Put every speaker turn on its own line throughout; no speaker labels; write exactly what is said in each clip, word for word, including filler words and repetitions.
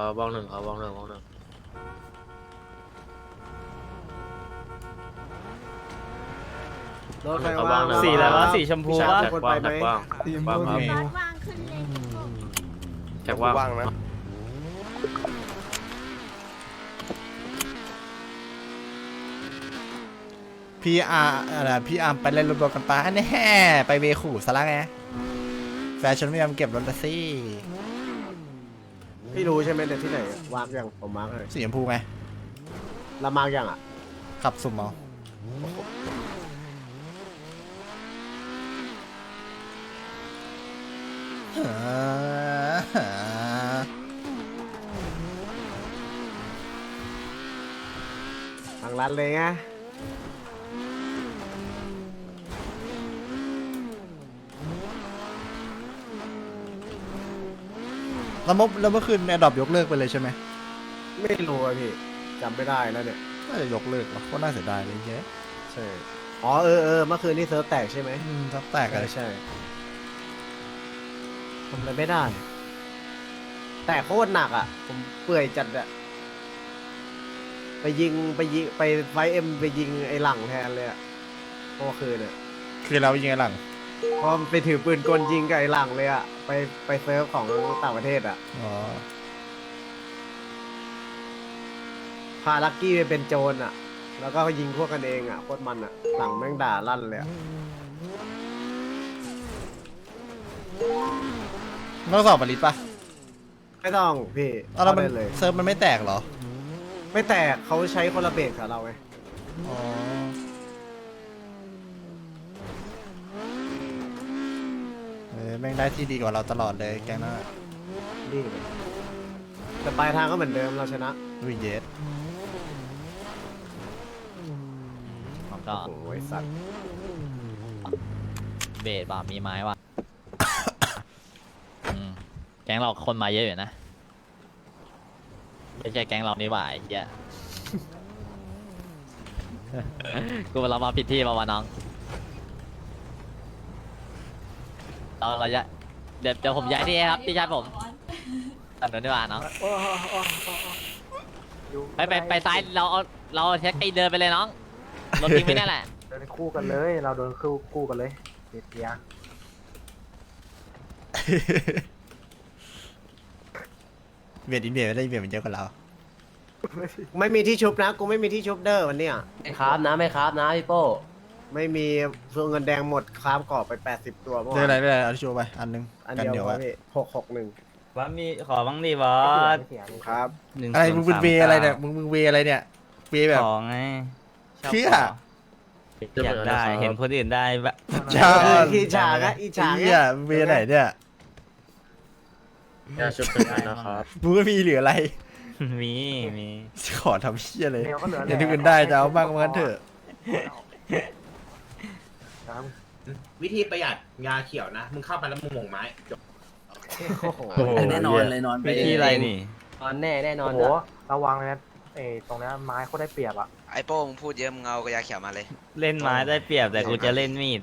บ้องหนึ่งครับบ้องหนึ่งบ้องหนึ่ง
รถใครว่าง
สีอะไรวะสีชมพู
พี่
วะ
ชายคนไปไหม
ว่าง
สีชม
ว่าง
พู
ครับ
มี
รถว่างขึ้นเลยพี่โก้
แจ็คว่าง
ว่างนะ
พี่อาร์อะไรพี่อาร์มไปเล่นรถรถกันปะแน่ไปเวขู่ซะละไงแฟชั่นไม่ยอมเก็บรถละสิ
พี่รู้ใช่ไหมเนี่ยที่ไหนวางยังผมมาร์กเลย
สีชมพูไง
ละมาร์กยังอ่ะ
ขับสุ่มเอา
ทางรัดเลยไง
แล้วเมื่อแล้วเมื่อคืนแอดดอปยกเลิกไปเลยใช่ไหม
ไม่รู้อะพี่จำไม่ได้แล้วเนี่ย
น่าจะยกเลิกวะก็น่าเสียดายเลยเย้
ใช่อ๋อเออเออเมื่อคืนนี่เซิร์ฟแตกใช่ไหม
อืมทับแตก
ใช่
เลย
ใช่ทำอะไรไม่ได้ แต่โคตรหนักอ่ะ ผมเปื่อยจัดอ่ะไปยิงไปยิงไปไฟเอ็มไปยิงไอ้หลังแทนเลยอ่ะเมื่อคืนเนี่ย
คือเรายังไงหลัง
พอไปถือปืนกลยิงกับไอ้หลังเลยอ่ะไปไปเซิร์ฟของต่างประเทศอ่ะ
อ๋อ
พาลักกี้ไปเป็นโจรอ่ะ แล้วก็ยิงพวกกันเองอ่ะโคตรมันอ่ะ หลังแม่งด่าลั่นเลยอ่ะ
ต้องสอบปริตปะ
ไม่ต้องพี่
เอาแล้วมัน
ได้เลย
เซิร์ฟมันไม่แตกเหรอ
ไม่แตกเขาใช้คนละเบรกกับเราไง
อ๋อเออแม่งได้ที่ดีกว่าเราตลอดเลยแกงหน้า
นี่เลยแต่ปลายทางก็เหมือนเดิมเราชนะ
ลุยเยส
ผมก็
โอ้ยสัตว์
เบสว่ะมีไม้ว่ะ อืมแก๊งเราคนมาเยอะอยู่นะไม่ใช่แก๊งเรานี่หว่าไอ้เหี้ย กูเรามาผิดที่มาวะน้องเราเราจะเดี๋ยวเดี๋ยวผมย้ายที่ครับพี่ชายผมตัดหนูดีกว่าน้องไปไปไปซ้ายเราเอาเราเช็คไอ้เดินไปเลยน้องรถทิ้งไว้นั่นแหละ
เดินคู่กันเลยเราโดนคู่คู่กันเลยเดียเดีย
เบียดอินเบียดไม่ได้อินเบียดมันเยอะกว่าเรา
ไม่มีที่ชุบนะ กูไม่มีที่ชุบเด้อวันเนี้ย
ไม่ครับนะไม่ครับนะพี่โป้
ไม่มีส่วนเงินแดงหมดครามกรอบไปแปดสิบตัวเมื่อ
ได้
วา
อะไร
น
ได้อะไรเอาที่โชว์ไปอันนึง
อัน
กัน
เดียว
เดี๋ยว
พอ
อะ
พี่หกหกหนึ่ง
ว่ามีขอบ้างดิบอส
เสียง
ครับ
อะไรมึงเป็นเวอะไรเนี่ยมึงมึงเวอะไรเนี่ยเวแบบ
ของไง
เชื่อ
อยากได้เห็นคนอื่นได้แบบ
จ้า
อีฉาก็อีฉา
เหี้ยมึงเวไหนเนี่ย
ยาชุบเป็นอันนะครับ
มึงไม่มีเหลืออะไร
มีมี
ขอทำเชี่ยเลย
เดียวก็เหลือ
อย่างที่อื่นได้จะเอาบ้างมันเถอะ
ครับ
วิธีประหยัดยาเขียวนะ มึงเข้าไปแล้วมึงหม่งไม้จบ
โอ้โห
แน่นอนเลยนอนไป
วิธีอะไรนี่
นอนแน่แน่นอน
โอ้โหระวังเลยนะเอตรงนี้ไม้เขาได้เปรียบอ่ะ
ไอโป้มึงพูดเยอะมึงเอากระยาเขียวมาเลย
เล่นไม้ได้เปรียบแต่กูจะเล่นมีด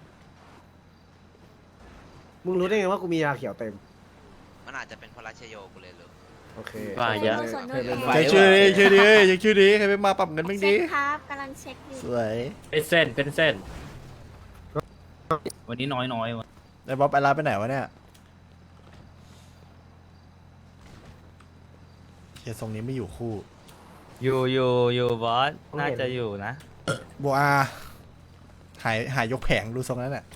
มึงรู้ได้ไงว่ากูมียาเขียวเต็ม
มันอาจจะเป็นเพราะรัชโยกูเลยลูก
โอเค
ว่าเยอะ
ส่วน
เค
นู้
ย
น
เล่น
เอ
ไว้
ยังชื่อดีชื่อดียังชื่อดีใครไปมาปรับเงินบ้าง
เช็
ดี
คครับกำลังเช็คอยู่
สวย
เป็นเส้นเป็นเส้น
วันนี้น้อยน้อยวะ
ไอ้บ๊อบไอ้ลาไปไหนวะเนี่ยเฮียทรงนี้ไม่อยู่คู่
อยู่อยู่อยู่บอสน่าจะอยู่นะ
บัวอาหายหายยกแผงดูทรงนั้นแหละ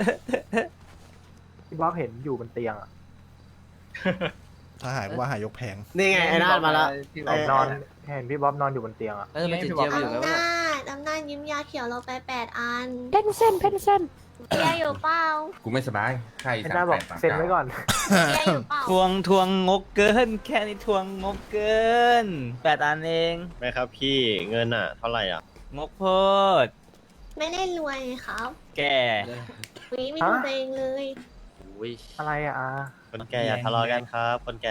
พี่บ๊อบเห็นอยู่บนเตียงอ่ะ
ถ้าหายก็ว่าหายยกแผง
นี่ไงไอ้นาดมาแล้ว
เห็นนอนเห็นพี่บ๊อบนอนอยู่บนเตียงอ่ะ
เออไม่ติดเจียวอยู่
อำ
แล้ว
นาจอำนาจยิ้มยาเขียวเราไปแปดอัน
เพนเส้นเพนเส้น
เบียร์อยู่เปล่า
กูไม่สบายไข้
ไอ้หน้าบอกเซ็นไว้ก่อน
เบียร์อยู่เปล่า
ทวงทวงงกเกิน แค่นี้ทวงงกเกินแปดอันเอง
ไม่ครับพี่เงินอ่ะ เท่าไหร่อ่ะ
งกโพด
ไม่ได้รวยครับ
แก
วิไม่ดูตัวเองเลย
อุ้ย
อะไรอ่ะอา
คนแก่อย่าทะเลาะกันครับ คนแก่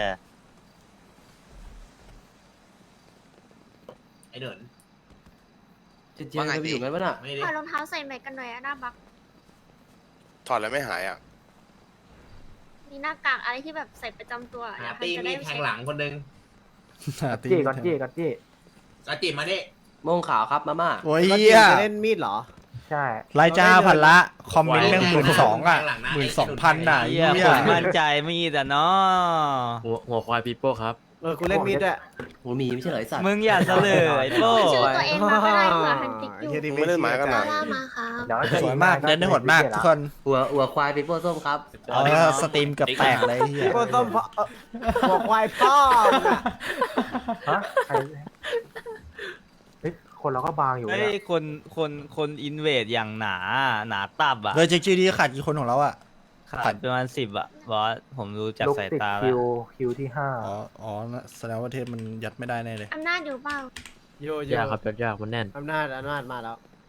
ไอเดิน
จะเจียวจะไปอยู่กันปะน่ะ
ไม่ได้
ถอดรองเท้าใส่แม็กกันหน่อยอะหน้าบัก
ถอดแล้วไม่หายอ่ะ
มีหน้ากากอะไรที่แบบใส่ประจำตัวอยา
หาก
ให้
ตี
จะ
มี
ได้
ดแทงหลังคนหนึง
ตี
เจ๊ก่อนเจ๊ก่อนเจ๊
กระจิมาดิ
โมงขาวครับมาม่า
โอ้ย
ก็
เหี้ย
จะเล่นมีดเหรอ
ใช่
รายจ้าพันละ คอมเมนต์แม่งหมื่นสองอ่ะหมื่นสองพันอ่ะ
เฮีย
เหี้ย
คนมั่นใจมีแต่เนาะ
หัวหัวควายปีโป้ครับ
เออกูเล่นมีดด้วย
หัวหมีไม่ใช่เหรอไอสัตว์
มึงอย่าเสลยไอ้โป้
ชื่อตัวเองมาก็ได้เผื่อฮันติกอยู่
เฮียดิไม่เล่นหมากันหน่อย
ล่ามาครับ
เดี๋ยว
สวยมากเล่นได้โหดมากทุกคน
หัวหัวควายปีโป้ส้มครับ
เอาแล้วสตรีมเกับแตกเลยเฮีย
โคตรต้มพ่อเอ่อบอกควายพ่อมึงอะ
ฮะใครเฮ้ยคนเราก็บางอยู่
เฮ้
เนี่ย ย
คนคนคนอินเวดอย่างหนาหนาตับอ่ะ
เลยเช็คชื่อดีขาดกี่คนของเราอ่ะ
ขาดประมาณสิบอ่ะบอสผมรู้จาก
ลูก
สาย
ติด
ตาแล้
คิ
ว
วคิวที่ห้า
อ๋อ อ๋อ แสดงว่าเทพมันยัดไม่ได้แน่เลย
อำนาจอยู่เปล่า
โยโย่
ยากครับยากมันแน่น
อำนาจอำนาจมาแล้ว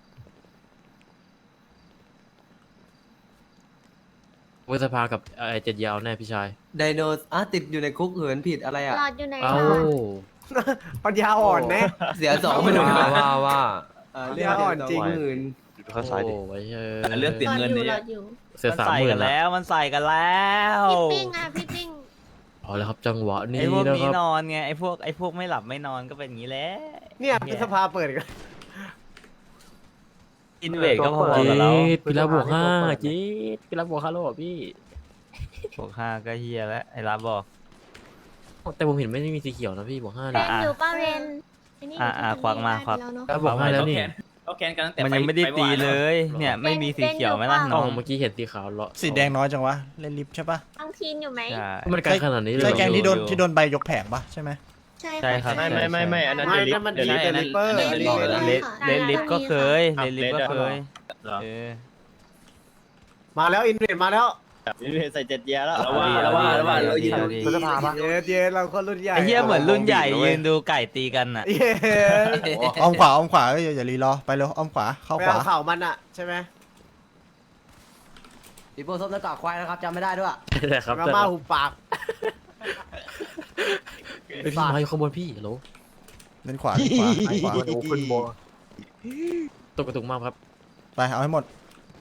เวสภากับไอเจ็ดยาวแน่พี่ชาย
ไดโนอ่ะติดอยู่ในคุกเหินผิดอะไรอ่ะ
หลอดอยู่ไหน
เอ้า
คะ
ปัญญาอ่อนนะ
เสียสองไม่รู้
ว่าว่าว่า
เออเรียกอ่อนจริงหมื่น
ข้าสายดิไว้เออ
เรื่องติด
หลอด
เงิน
อยู่
นี่
หลอดอยู่
เสีย
มัน
สาม
ใส่
หมื่
กัน น
แล้
แล้ว วมันใส่กันแล้ว
พี่ปิ้งอ่ะพี่ปิ้ง
พอแล้วครับจังหวะนี้
ไอ้พวก
นะ
นี้
ครับ
นอนไงไอ้พวกไอ้พวกไม่หลับไม่นอนก็เป็นอย่างนี้แหละ
เนี่ยพฤษภาเปิดอีกแล้ว
อินเวดก็พอ
จี๊
กับเรา
ดพี่รับวกห้าจี๊ดพี่รับบวกห้าแล้วเหรอพี่
บวกห้าก็เฮียแล้วไอ้รับบอก
แต่ผมเห็นไม่ได้มีสีเขียวนะพี่บวกห้า
เร
เนี่ย
นอยู่ป้าเรนไนี่
อ่ะอ่ะควักมาควัก
แล้วเนอะ
แล้วบวกห้าแล้วนี่
มันยังไม่ได้ตีเลย เนี่ยไม่มีสีเขียวไหมล่ะ
อ๋
น้
อ
อง
เมื่อกี้เห็นสีขาวเลาะ
สีแดงน้อยจังวะ เล่นลิฟต์ใช่ปะ
ต้องทีนอยู่ไหม
ใช่
มันไกลขนาดนี้เลย
ใช่
เหรอ
แกงที่โดน
อยู่
ที่โดนใบยกแผงปะใช่ไหม
ใช่
ใช่ครับ
ไม่ไม่ไม่ไม่อันนั้น
ไม่นั่นมันดีแต่ลิปเปอร์
เลน
ลิปเปอร์
เลเลนลิฟก็เคยเลนลิฟก็เคยเออ
มาแล้วอินเวดมาแล้ว
ใส่เจ็ดเยียแล้ว
ระว่าระว่าระว่าเรายิน
พฤษภาปะ
เย็นเย็นเราคนรุ่นใหญ่
ไอ้เหี้ยเหมือนรุ่นใหญ่ยืนดูไก่ตีกันอ่ะ
เย็น
อ้อมขวาอ้อมขวาเอ้ยอย่ารีรอ ไปเร็วอ้อมขวา เข้า
ไป
ขวา
เอาเข่ามันอะใช่ไหม
ปีโป้ส้มแล้วก็ควายนะครับจำไม่ได้ด้วย
แต่ครับ
มา
แต่
ม่าหุบปาก
ไอพี่มาอยู่ข้างบนพี่โหล
เล่นขวาเล่นขวาเล่นขวา
โอ้ขึ้นโบ
ตกกระตุกมากครับ
ไปเอาให้หมด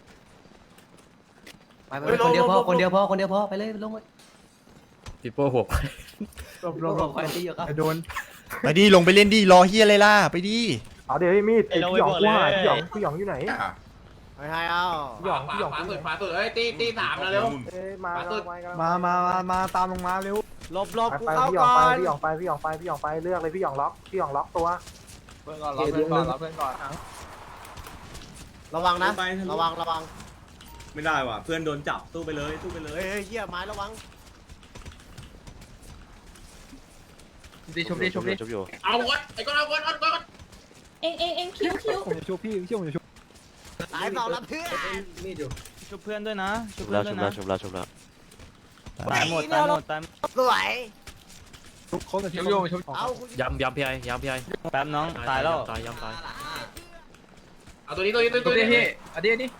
ไปไปคนเดียวพอคนเดียวพอคนเดียวพอไปเลยลงมา
ปีโป้หัวควาย
ลบล
ล
บ
ง
ล
กับบ ควายตีอยู่ครับ
ไปโดน
ไปดิลงไปเล่นดิรอเฮียอะไรล่ะ ไปดิ
เอาเดี๋ยวมีดไอ้พี่หยองกูหาพี่หยองพี่หยองอยู่ไหน
ไม่ให้เอา
พี่หยอง
ขวา
พี่หยอง
ขวาสุดขวาสุดเอ้ยตีตีสามแล้วเร็ว
เอ้ยมา
ขวาสุด
มามามามาตามลงมาเร็ว
หลบหลบ
ไป
กู
ไป
เข้า
พี่หยอ
ก่
ง
อ
ไป
น
พี่หยองไปพี่หยองไปพี่หยองไปเลือกเลยพี่หยองล็อกพี่หยองล็อกตัว
เพื่อนก่อนรับเพื่อนก่อนรับเพื่อนก่อน
ระวังนะ ระวังระวัง
ไม่ได้ว่ะเพื่อนโดนจับตู้ไปเลยตู้ไปเลย
เฮ้ยเฮ้ยเหี้ยไม้ระวัง
ดีชมดีชมดี
เอาวดไอ้ก้อนเอาวดเอาก้อน
เองเองเองคิ้วคิ้ว
ผมจะชูพี่พี่ผมจะชู
ตายสองแล้วเพื่อน
ชุบเพื่อนด้วยนะชุบเพื่อนด้วยนะ
ชุบแล้วชุบแล้ว
ตายหมดตายหมดตาย
สวย
ทุกคนจะชูชู
เอากู
ย้ำย้ำพี่ไอ้ย้ำพี่ไอ้
แป๊บน้องตายแล้ว
ตายย้ำตาย
เอาตัวนี้ตัวนี้ตัวนี้ตัวนี้
อันนี้อันนี้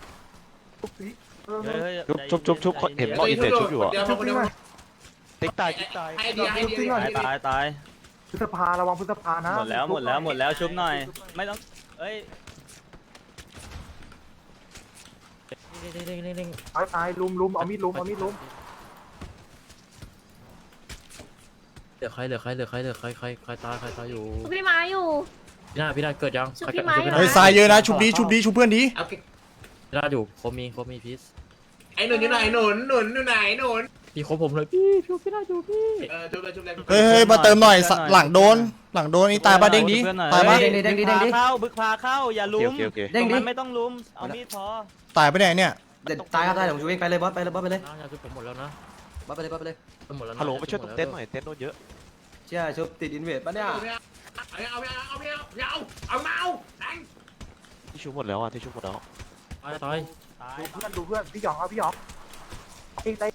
ชุบชุบชุบเห็น
ตัวนี้ชุบอยู่เดี๋ยวคนเดียว
ติ๊กตายติ๊กตาย
ให้ดีให้ดี
ตายตายตาย
พฤษภาระวังพฤษภานะ
หมดแล้วหมดแล้วหมดแล้วชุบหน่อย ไม่ต้องเอ้ย
ตายตายลุมลุมเอามีดลุมเอามีดลุม
เหลือใครเหลือใครเหลือใครเหลือใครใครใครตายใครตายอยู่
พี่ม้าอยู่
พี่นาพี่นาเกิดยัง
ชุบพี่ไม้
เฮ้ยทรายเยอะนะ ชุบดีชุบดีชุบเพื่อนดี
เอา
พี่นาอยู่โคมีโคมีพีซ
ไอ้หนุนอยู่ไหนหนุนหนุนอยู่ไหนหนุน
พี่คบผมเลยพี่พี่พี่นาอยู่พี่
เออชุบเลยชุบเลย
เฮ้ยเฮ้ยมาเติมหน่อยสหลังโดน หลังโดนนี่ตายปะเด้งดีตายปะ
เด้งดิเด้งดิเด้งดิเข้าบึกพาเข้าอย่าลุม
เด้งดิ
ไม่ต้องลุมเอามีดพอ
ตายปะเนี่ยเนี่ย
เด็ดตายครับตายผมชูเองไปเลยบอสไปเลยบอสไปเลย
น้าชุบผมหมดแล้วนะ
บอสไปเลยบอสไปเลย
หมดแล้ว
ฮัลโหลไปช่วยตรงเต็นท์หน่อยเต็นท์โดนเยอะ
เชื่อชุบติดอินเวดปะเนี่ย
เอาเอาเอาเอาเอาเอาเมาแทง
ที่ชุบหมดแล้วอ่ะที่ชุบหมดแล้ว
ตายตาย
ตาย
ดูเพื่อนดูเพื่อนพี่หยองเอาพี่หยองไอ้ไอ้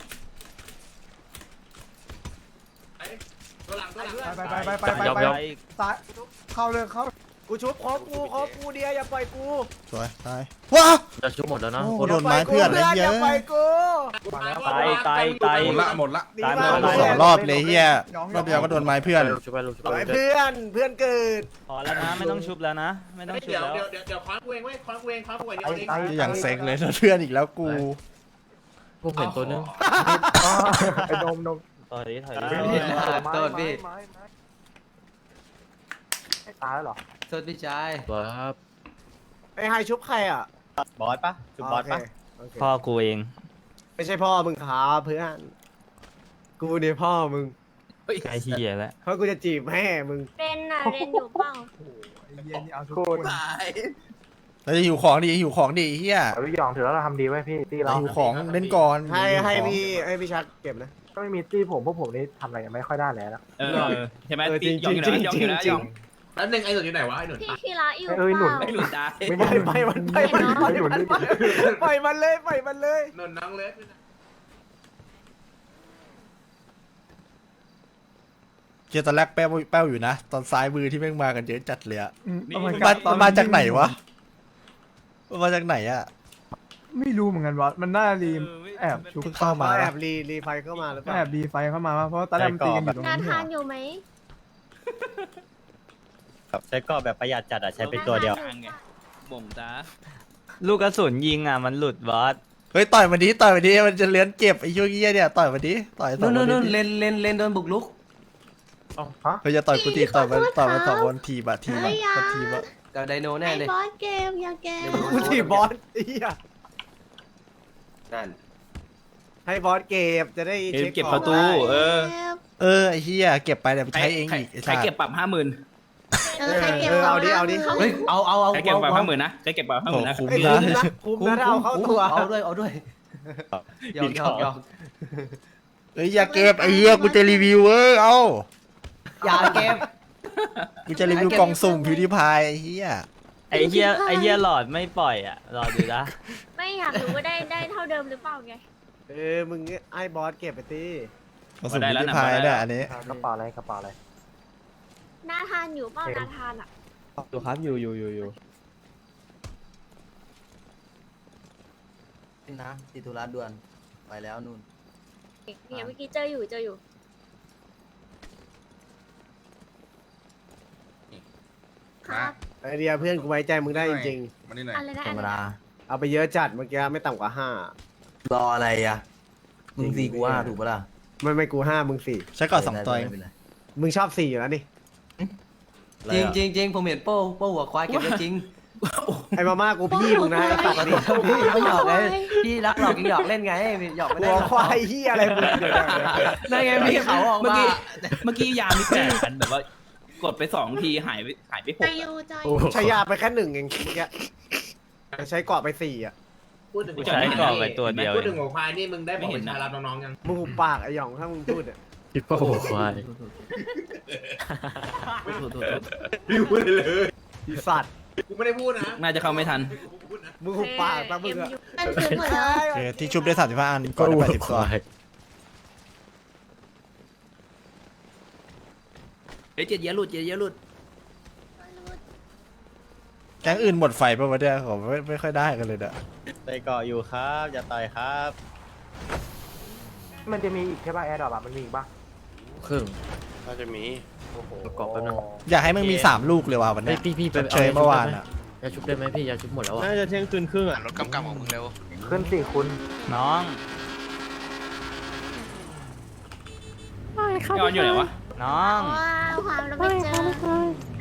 ตัวหลังตัวหลัง
ไปไปไปไปไป
ยอม
ไป
ยอม
ตายเข้าเลยเข้า
กูชุบครบกูครบกูเดียวอย่าปล่อยกู
สวยตายว้า
จะชุบหมดแล้วนะ
โอ้โดนไม้เพื่อนเลย
อ
เฮีย
ย่าปล่อยกู
ตายตายตาย
หมดละหมดละ
หนี
ตายหม
มา
ด
สองรอบเลยเฮียรอบเดียวก็โดนไม้เพื่อน
ชุบไปชุบ
ปล่อย
ไป
เพื่อนเพื่อนเกิด
พอแล้วนะไม่ต้องชุบแล้วนะ ไม่ต้องชุบ
เดี๋ยว
แล้ว
เดี๋ยวเดี๋ยวเดี๋ยวคว้ากูเองเว้ยคว้ากูเองคว้ากูเองเดี๋ยวเอง
ไอ้
อย่างเซ็งเลยเพื่อนอีกแล้วกู
ผมเห็นตัวนึง
ไอ้นมนม
ถอยดิถอย
ไม้
ดิ
ไม้ไม้ไม้ตายแล้วเหรอ
สวัสดีพี่ชาย
บอสครับ
ไอ้ไฮชุบใครอ่ะ
บอสปะจุบบอสปะ
โอเค
พ่อกูเอง
ไม่ใช่พ่อมึงครับเพื่อนกูเนี่ยพ่อมึง
ไอ้เหี้ยแล้ว
เพราะกูจะจีบแม่มึง
เรนน่ะเรนอยู่เปล่า
โคตร
เราจะหิวของดิหิวของดิเฮีย
เอาลูกยองถือแล้วเราทำดีไว้พี่ตี้เรา
หิวของเล่นก่อน
ให้
หิว
ให้
ของ
พี่ให้พี่ชักเก็บนะ
ก็ไม่มีตี้ผมพวกผมนี่ทำอะไรกันไม่ค่อยได้แล้ว
เออใช่ไหม
เออจริง
ยองอยู่
จริง
นะยองอยู่นะ
จริง
ยอง
แล้วหนึ่งไอ้หนุนอยู่ไหนวะไอ้หนุน
พี่คีระอยู่
เอ้ย
เป
หนุน
ล่า
ไม่หลุดตา
ไม่
ไป
ได้
ไปมันไปมันไป
หนุน
มัน
นี่
ปล่อยมันเลยปล่อยมันเลย
หนุนน้องเล็ก
เจอตอนแรกแป้วแป้วอยู่นะ ตอนซ้ายมือที่แม่งมากันเยอะจัดเลยอะ
นี่
มันมามันมาจากไหนวะมันมาจากไหนอะ
ไม่รู้เหมือนกันว่ามันน่ารีมแอบชุบ
เพิ่งเข้ามา
แอ
ปะ
บรีรีไฟเข้ามาหรือเปล่า
แอบดีไฟเข้ามาเพราะตอนแรกมันตีกันอยู่ตรง
นา
นี้
ทานอยู่ไหม
ใช้กรอบแบบประหยัดจัดอ่ะใช้เป็นตัวเดียว
นาธานอ
บ่งจ้า
ลูกกระสุนยิงอ่ะมันหลุดบอส
เฮ้ยต่อยมันดิต่อยมันดิมันจะเลื้อนเก็บไอ้ช่วงเงี้ยเนี่ยต่อยมันดิต่อยต่อ
นู่
ย
น
มัน
นู่น
ดิ
เลนเลนเลนโดนบุกลุก
เฮ้ยจะต่อยกูทีต่อยมันต่อยมันสองคนทีบะทีบะมันทีบะ
กับไดโนแน่
ไอ้
เลย
บอสเกมอย่าเกม
กูถีบบอสไอ้เหี้ย
นั่น
ให้บอสเก็บจะได้
เก็
เช็
บ
ค
เก็บ
ข
ป
อง
ระตู
ได้
เออ
เออไอ้เหี้ยเก็บไปเดี๋ยวไปใช้เองอีกไอ้
ใคร
สัส
เก็บปรับห้าหมื่น
เออใครเก็บ
เออเอาดิเอาดิ
เขา
เฮ้ยเอาเอาเอา
ใครเก็บปรับห้าหมื่นนะใครเก็บปรับห้าห
โอ้
มื่นนะ
คุ้ม
ไอ้ย
นะ
คุ้มนะคุ้มนะถ้าเอาเข้าตัว
เอาด้วยเอาด้วยหยอกหยอกหยอก
เฮ้ยอย่าเก็บไอ้เหี้ยกูจะรีวิวเออเอา
อย่าเก็บ
กูจะรีวิวกล่องสุ่มพิวดิพายไอ้เหี้ย
ไอ้เหี้ยไอ้เหี้ยหลอดไม่ปล่อยอ่ะรอดูนะ
ไม่อยากรู้ว่าได้ได้เท่าเดิมหรือเปล่าไง
เออมึงไอ้บอสเก็บไปตี
กล่องสุ่มพิวดิพายเนี่ยอันนี้
กระเป๋าอะไรกระเป๋าอะไร
นาทานอยู่เปล่านาทานอ่ะ
อยู่ครับอยู่อยู่อยู่อยู่
นะติดธุระด่วนไปแล้วนู่น
เนี่ยเมื่อกี้เจออยู่เจออยู่ ครับ
ไอเดียเพื่อนกูไว้ใจมึงได้จริง
มานี่หน่อย
อะไรนะ
ธร
อะ
รม
ไร
ดา
นะ
ๆเอาไปเยอะจัดเมื่อกี้ไม่ต่ำกว่าห้าร
ออะไรอ่ะมึงสี่กูว่าถูกปะล่ะ
ไม่ไม่กูห้ามึงสี่
ใช้ก่อนสองตัวเอง
ไม่เป็นไร
มึงชอบสี่อยู่แล้วนี่
จริงจริงจริงผมเห็นโป้โป้หัวควายเก็บได้จริง
ไอ้มาม่ากูพี่มึงนะไอ้ตัดนี่
พี่ไม่หยอกเลยพี่รักหลอกกินหยอกเล่นไงหยอกไม่ได้
หัว
หรอก
ควายเฮียอะไรมึงเดี๋ยวๆ
นั่นไงพี่เขาออก
เมื่อ
มา
กี้เมื่อกี้ยามีแปดพันแบบว่ากดไปสองทีหายไปหายไปห
ใจ
ก
อยู่ใจอ
โอ้
ยู่
โหใช้ยาไปแค่หนึ่งเองเมื่อกี้ใช้เกาะไปสี่อ่ะ
พูดถึง
ใช้กรอบไปตัวเดียว
พูด
เอ
ถึ
ง
งหัวควายนี่มึงได้บอกประชารับน้องๆยัง
มึงหุบปากไอ้หยองถ้ามึงพูดอ่ะ
คิดว่าหัวควาย
ไม่พูดเลย
ไอ้สัตว์
กูไม่ได้พูดนะ
น่าจะเข้าไม่ทัน
มึงหุบปากตั้งมึงอ่ะ
มันถึงหมดแล้ว
โอเคที่ชุบได้สามสิบห้าอันก่อนได้แปดสิบตัว
เฮ้ยเจ็ดเยอะหลุดเจ็ดเยอะหลุด
แก๊งอื่นหมดไฟป่ะวะเนี่ยผมไม่ไม่ค่อยได้กันเลยเด้อ
ไปเกาะอยู่ครับอย่าต่อยครับ
มันจะมีอีกใช่ป่ะแอร์ดรอปมันมีอีกป่ะ
ครึ่ง
น่าจะมี
โอ้โห
ประกอบแป๊บนึง
อยากให้มึงมีสามลูกเลยว่ะวัน
เฮ้
เนี้
ย
ย
พี่พี่ไป
เฉยเมื่อวานอ่ะ
ยาชุบได้ไหมพี่ยาชุบหมดแล้วอ่ะ
น่าจะเที่ยงคืนครึ่งอ่ะ
รถกำกำของมึงเร็ว
ขึ้นสี่คุณ
น้อง
ยอนอยู่ไหนวะ
น้อง
ว้าวความเราไม่เจอ